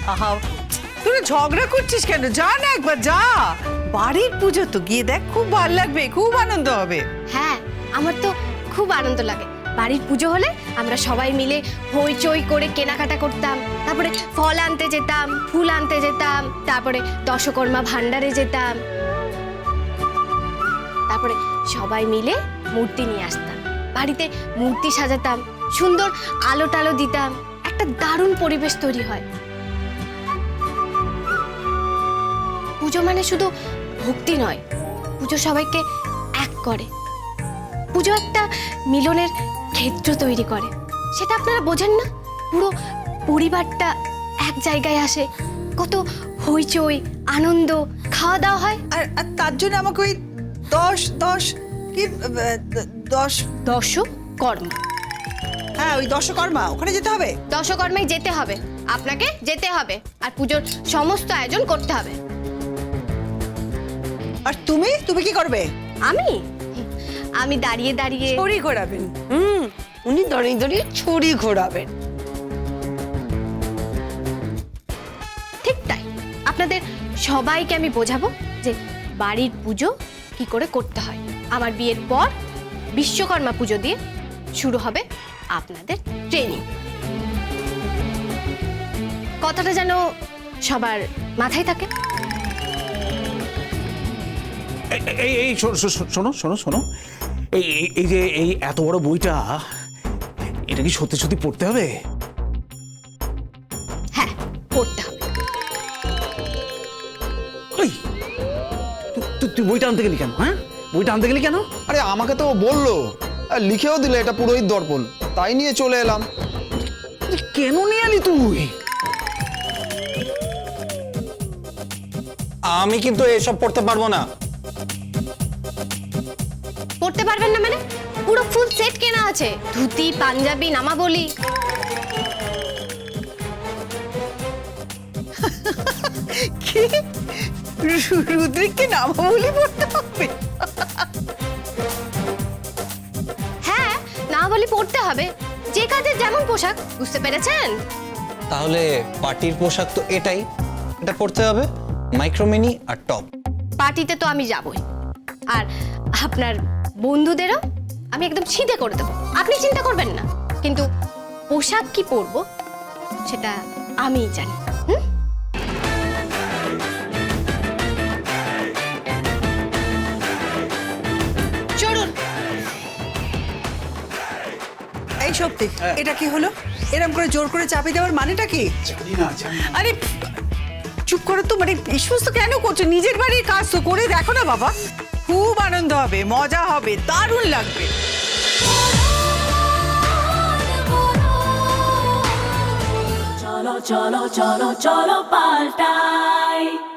আহা, তুই ঝগড়া করছিস কেন? যা না একবার যা, বাড়ির পুজো তো, গিয়ে দেখ, খুব ভালো লাগবে, খুব আনন্দ হবে। হ্যাঁ, আমার তো খুব আনন্দ লাগে। বাড়ির পুজো হলে আমরা সবাই মিলে হইচই করে কেনাকাটা করতাম, তারপরে ফল আনতে যেতাম, ফুল আনতে যেতাম, তারপরে দশকর্মা ভান্ডারে যেতাম, তারপরে সবাই মিলে মূর্তি নিয়ে আসতাম, বাড়িতে মূর্তি সাজাতাম, সুন্দর আলো টালো দিতাম, একটা দারুণ পরিবেশ তৈরি হয়। পুজো মানে শুধু ভক্তি নয়, পুজো সবাইকে এক করে। পুজো একটা মিলনের ক্ষেত্র তৈরি করে, সেটা আপনারা বোঝেন না? পুরো পরিবারটা এক জায়গায় আসে, কত হইচই, আনন্দ, খাওয়া দাওয়া হয়। আর আর তার জন্য আমাকে ওই 10 কি দশকর্মা, হ্যাঁ ওই দশকর্মা, ওখানে যেতে হবে। দশকর্মায় যেতে হবে, আপনাকে যেতে হবে, আর পুজোর সমস্ত আয়োজন করতে হবে। আর তুমি তুমি কি করবে? আমি দাঁড়িয়ে দাঁড়িয়ে ছড়ি ঘোরাবেন। উনি দাঁড়িয়ে দাঁড়িয়ে ছড়ি ঘোরাবেন। ঠিক তাই, আপনাদের সবাইকে আমি বোঝাবো যে বাড়ির পুজো কি করে করতে হয়। আমার বিয়ের পর বিশ্বকর্মা পুজো দিয়ে শুরু হবে আপনাদের ট্রেনিং। কথাটা যেন সবার মাথায় থাকে। এই শোনো শোনো শোনো, এই যে এই এত বড় বইটা, এটা কি সত্যি সত্যি পড়তে হবে? হ্যাঁ, পড়তে হবে। ওই তুই বইটা আনতে গেলি কেন? হ্যাঁ, বইটা আনতে গেলি কেন? আরে আমাকে তো ও বললো, আর লিখেও দিলে এটা পুরোহিত দর্পণ, তাই নিয়ে চলে এলাম। কেন নিয়ে এলি তুই? আমি কিন্তু এসব পড়তে পারবো না। পড়তে পারবেন না মানে? পুরো ফুল সেট কেনা আছে, ধুতি, পাঞ্জাবি, নামাবলি। কি রুদ্রিককে নামাবলি পড়তে হবে? হ্যাঁ, নামাবলি পড়তে হবে, যে কাজের যেমন পোশাক, বুঝতে পেরেছেন? তাহলে পার্টির পোশাক তো এটাই, এটা পড়তে হবে, মাইক্রোমিনি আর টপ। পার্টিতে তো আমি যাবই, আর আপনার বন্ধুদেরও আমি একদম ছিঁড়ে করে দেবো, আপনি চিন্তা করবেন না। কিন্তু পোশাক কি পরবো সেটা আমিই জানি। চলুন। এই সত্যি, এটা কি হলো? এরকম করে জোর করে চাপিয়ে দেওয়ার মানেটা কি? আরে চুপ করে তো, মানে এই সমস্ত কেন করছো? নিজের বাড়ির কাজ তো করে দেখো না বাবা, খুব আনন্দ হবে, মজা হবে, দারুণ লাগবে। চলো চলো চলো চলো পাল্টাই।